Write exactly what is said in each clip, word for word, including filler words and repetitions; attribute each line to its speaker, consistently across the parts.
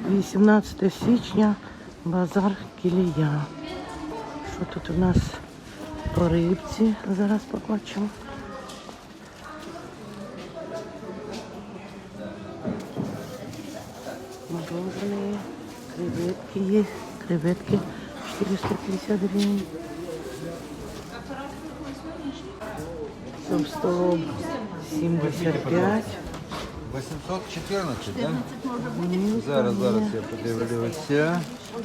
Speaker 1: вісімнадцяте січня, базар Кілія. Що тут у нас по рибці? Зараз побачимо. Мороженые, креветки есть. Креветки четыреста пятьдесят гривен. Сом семьдесят пять.
Speaker 2: восемьсот четырнадцать, да? Зараз, зараз я подивлюся.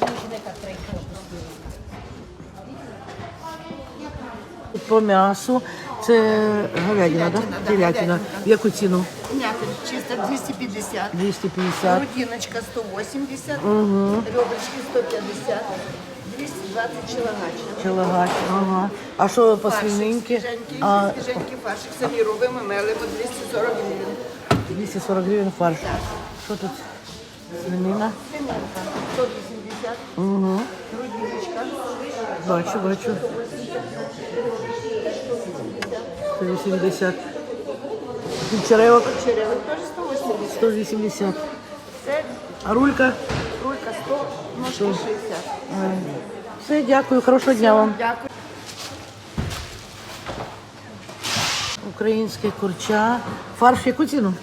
Speaker 1: По м'ясу це говядина, так? Телятина. В яку ціну?
Speaker 3: Мякоть чисто двести пятьдесят.
Speaker 1: двести пятьдесят.
Speaker 3: Грудиночка сто восемьдесят.
Speaker 1: Угу.
Speaker 3: Ребрышки сто пятьдесят. двести двадцать челогача.
Speaker 1: Челагач, ага. А що по свининки?
Speaker 3: Свіженький,
Speaker 1: А,
Speaker 3: свіженький фаршик. Самі робимо, мелимо двести сорок гривень.
Speaker 1: двести сорок гривень фарш. Що тут? Свинина?
Speaker 3: Свининка сто вісімдесят.
Speaker 1: Угу.
Speaker 3: Грудиночка.
Speaker 1: Бачу, бачу. сто вісімдесят. Черевок
Speaker 3: Черевик теж сто вісімдесят.
Speaker 1: сто вісімдесят.
Speaker 3: Це
Speaker 1: А рулька?
Speaker 3: рулька сто, ножки шістдесят.
Speaker 1: Все, дякую, хорошого дня вам.
Speaker 3: Дякую.
Speaker 1: Українське курча. Фарш яку ціну?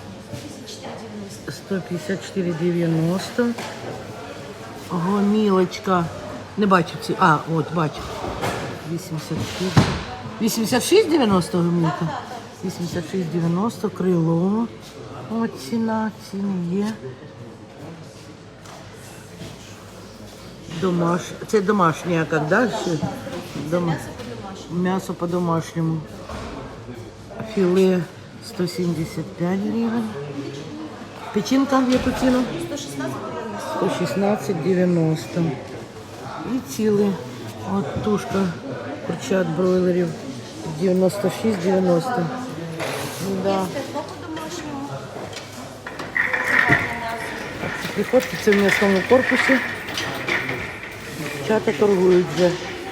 Speaker 1: сто п'ятдесят чотири дев'яносто. Гомілочка. Не бачу ці. А, от, бачу. вісімдесят шість. вісімдесят шість дев'яносто гомілка. вісімдесят шість дев'яносто. Крило. От ціна, ціни є. Домаш... Це домашнє, а як далі? Дом... М'ясо по-домашньому. Філе сто сімдесят п'ять гривень. Печінка в яку ціну? сто шістнадцять дев'яносто. І ціли. От тушка курчат бройлерів дев'яносто шість дев'яносто. Да. Приходьте, це в м'ясному корпусі. Дівчата торгують вже.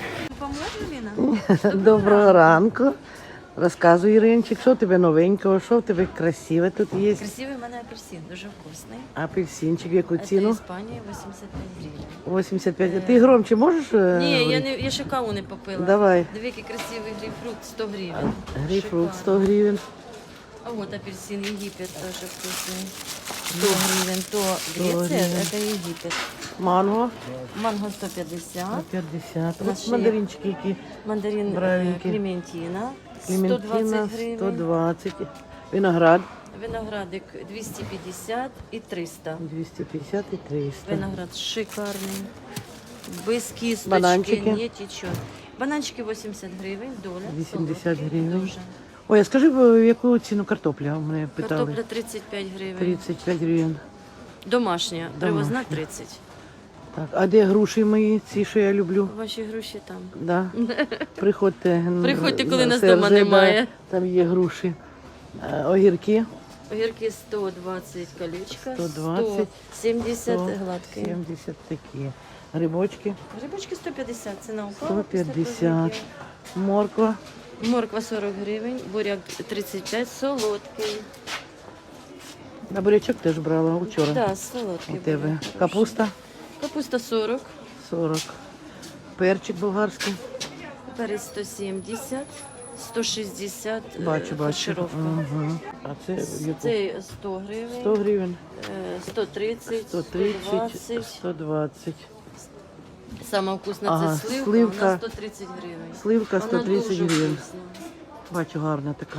Speaker 1: Доброго ранку. Розказуй, Іринчик, що в тебе новенького, що в тебе красиве тут є?
Speaker 4: Красивий в мене апельсин, дуже вкусний.
Speaker 1: Апельсинчик, в яку
Speaker 4: Це
Speaker 1: ціну?
Speaker 4: Іспанія, вісімдесят п'ять гривень.
Speaker 1: вісімдесят п'ять. А ти громче можеш? е,
Speaker 4: Ні, я,
Speaker 1: говорити?
Speaker 4: не, я ще каву не попила.
Speaker 1: Давай.
Speaker 4: Диви, який красивий грейпфрут, сто гривень.
Speaker 1: Грейпфрут сто
Speaker 4: Шикарно.
Speaker 1: гривень.
Speaker 4: А вот апельсин Египет тоже вкусный. сто гривен, то Греция,
Speaker 1: гривен.
Speaker 4: это Египет.
Speaker 1: Манго
Speaker 4: Манго сто пятьдесят.
Speaker 1: п'ятдесят.
Speaker 4: На
Speaker 1: Ось
Speaker 4: шиї.
Speaker 1: мандаринчики які.
Speaker 4: Мандарин э,
Speaker 1: Бравенький.
Speaker 4: Клементина, сто
Speaker 1: Клементина
Speaker 4: двадцать гривен.
Speaker 1: сто двадцять. Виноград
Speaker 4: Виноградик двести пятьдесят и триста.
Speaker 1: двісті п'ятдесят і триста.
Speaker 4: Виноград шикарный. Без кисточки,
Speaker 1: Бананчики?
Speaker 4: не течет. Бананчики вісімдесят гривень, доля.
Speaker 1: вісімдесят
Speaker 4: солодкий
Speaker 1: гривень.
Speaker 4: дуже.
Speaker 1: Ой, а скажи, в яку ціну картопля? У мене питали.
Speaker 4: Картопля тридцять п'ять гривень.
Speaker 1: тридцять п'ять гривень.
Speaker 4: Домашня, привозна
Speaker 1: Домашня.
Speaker 4: тридцять.
Speaker 1: Так, а де груші мої, ці, що я люблю?
Speaker 4: Ваші гроші там.
Speaker 1: Да. Приходьте. н-
Speaker 4: Приходьте, коли
Speaker 1: на
Speaker 4: нас дома
Speaker 1: СРЖ,
Speaker 4: немає.
Speaker 1: Да, там є груші. Е, Огірки
Speaker 4: Огірки сто двадцять колечка,
Speaker 1: сто двадцять,
Speaker 4: сто сімдесят
Speaker 1: сто
Speaker 4: гладкі.
Speaker 1: сімдесят такі. Грибочки
Speaker 4: Грибочки сто п'ятдесят, ціна упала.
Speaker 1: сто
Speaker 4: після
Speaker 1: п'ятдесят.
Speaker 4: прогулки.
Speaker 1: Морква
Speaker 4: Морква сорок гривень, буряк тридцять п'ять, солодкий.
Speaker 1: на бурячок теж брала вчора.
Speaker 4: Да, солодкий.
Speaker 1: У тебе
Speaker 4: буряк хороший.
Speaker 1: капуста
Speaker 4: Капуста сорок,
Speaker 1: сорок. Перчик болгарський.
Speaker 4: перець сто сімдесят, сто шістдесят, е,
Speaker 1: Бачу, бачу.
Speaker 4: фаршировка.
Speaker 1: Угу. А це в яку?
Speaker 4: Це сто гривень,
Speaker 1: сто гривень.
Speaker 4: е, сто тридцять,
Speaker 1: сто
Speaker 4: сто
Speaker 1: тридцять,
Speaker 4: двадцять.
Speaker 1: сто двадцять.
Speaker 4: Сама вкусна
Speaker 1: Ага,
Speaker 4: це сливка,
Speaker 1: сливка.
Speaker 4: вона сто тридцять гривень.
Speaker 1: Сливка
Speaker 4: Вона
Speaker 1: сто тридцять
Speaker 4: дуже
Speaker 1: гривень.
Speaker 4: вкусна.
Speaker 1: Бачу, гарна така.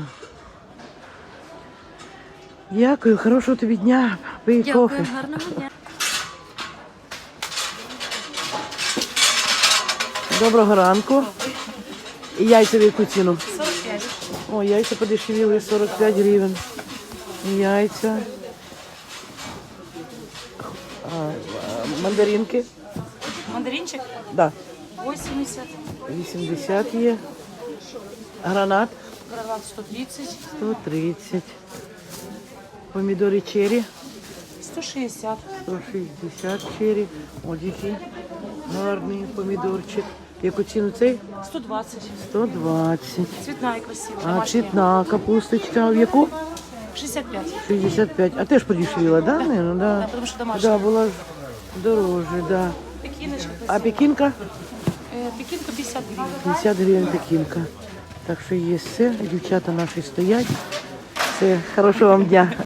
Speaker 1: Дякую, хорошого тобі дня. Пий
Speaker 4: Дякую,
Speaker 1: кофе.
Speaker 4: гарного дня.
Speaker 1: Доброго ранку. І яйця в яку ціну? сорок п'ять. О, яйця подешевіли, сорок п'ять гривень. Яйця. А, а, мандаринки.
Speaker 5: Мандаринчик
Speaker 1: Да.
Speaker 5: восемьдесят,
Speaker 1: вісімдесят є. Гранат
Speaker 5: гранат сто тридцать,
Speaker 1: сто тридцять. Помідори черрі
Speaker 5: сто шестьдесят,
Speaker 1: сто шістдесят черрі. Ось який гарний помідорчик. Яку ціну цей?
Speaker 5: сто двадцать.
Speaker 1: сто двадцять.
Speaker 5: Цветная красивая,
Speaker 1: А
Speaker 5: домашняя.
Speaker 1: цвітна капусточка в яку?
Speaker 5: шестьдесят пять.
Speaker 1: шестьдесят пять. А теж подешевіла, да? Наверное, да.
Speaker 5: Да, потому что домашняя.
Speaker 1: Да, була ж дороже, да.
Speaker 5: Пекиночка.
Speaker 1: А пекінка?
Speaker 5: Э, пекинка пятьдесят гривен.
Speaker 1: п'ятдесят гривень пекінка. Так що є все. Дівчата наші стоять. Все, хорошого вам дня.